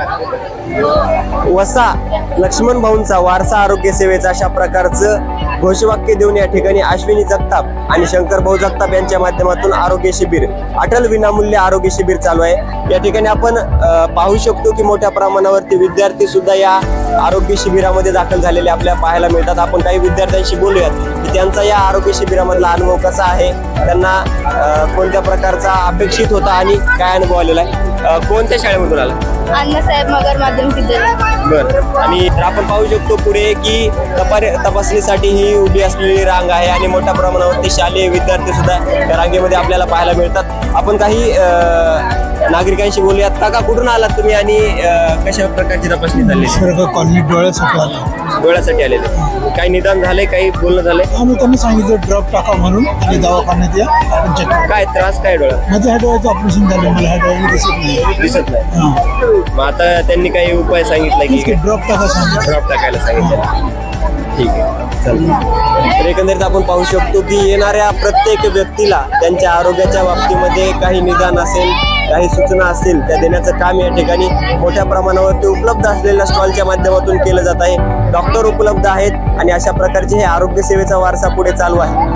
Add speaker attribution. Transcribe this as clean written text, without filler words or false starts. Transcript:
Speaker 1: वसा लक्ष्मण भाऊंचा वारसा आरोग्य सेवेचा अशा प्रकारचं घोषवाक्य देऊन या ठिकाणी अश्विनी जगताप आणि शंकर भाऊ जगताप यांच्या माध्यमातून आरोग्य शिबिर, अटल विनामूल्य आरोग्य शिबिर चालू आहे। या ठिकाणी आपण पाहू शकतो की मोठ्या प्रमाणावरती विद्यार्थी सुद्धा या आरोग्य शिबिरामध्ये दाखल झालेले आपल्याला पाहायला मिळतात। आपण काही विद्यार्थ्यांशी बोलूयात की त्यांचा या आरोग्य शिबिरामधला अनुभव कसा आहे, त्यांना कोणत्या प्रकारचा अपेक्षित होता आणि काय अनुभव आलेला आहे। कोणत्या शाळेमधून आला?
Speaker 2: अण्णासाहेब मगर माध्यमिक विद्यालय।
Speaker 1: बरं, आणि आपण पाहू शकतो पुढे की तपासणीसाठी ही उभी असलेली रांग आहे आणि मोठ्या प्रमाणावरती शालेय विद्यार्थी सुद्धा या रांगेमध्ये आपल्याला पाहायला मिळतात। आपण काही नागरिकांशी बोलूयात। काका, कुठून आलात तुम्ही आणि कशा प्रकारची तपासणी झाली?
Speaker 3: कॉलनी
Speaker 1: डोळ्यासाठी आलेले, काही निदान झाले, काही बोलणं झालंय?
Speaker 3: आम्ही त्यांनी सांगितलं ड्रॉप टाका म्हणून आणि दवाखान्यात या आपण चेक करू.
Speaker 1: काय त्रास काय डोळा?
Speaker 3: माझं ह्या डोळ्याचं ऑपरेशन झालं, मला ह्या डोळ्याने दिसत नाही.
Speaker 1: मग आता त्यांनी काही उपाय सांगितला की
Speaker 3: ड्रॉप टाका सांगितलं.
Speaker 1: ड्रॉप टाकायला सांगितलं? ठीक आहे, चालेल। तर एकंदरीत आपण पाहू शकतो की येणाऱ्या प्रत्येक व्यक्तीला त्यांच्या आरोग्याच्या बाबतीमध्ये काही निदान असेल, काही सूचना असतील त्या देण्याचं काम या ठिकाणी मोठ्या प्रमाणावरती उपलब्ध असलेल्या स्टॉलच्या माध्यमातून केलं जात आहे। डॉक्टर उपलब्ध आहेत आणि अशा प्रकारचे हे आरोग्य सेवेचा वारसा पुढे चालू आहे।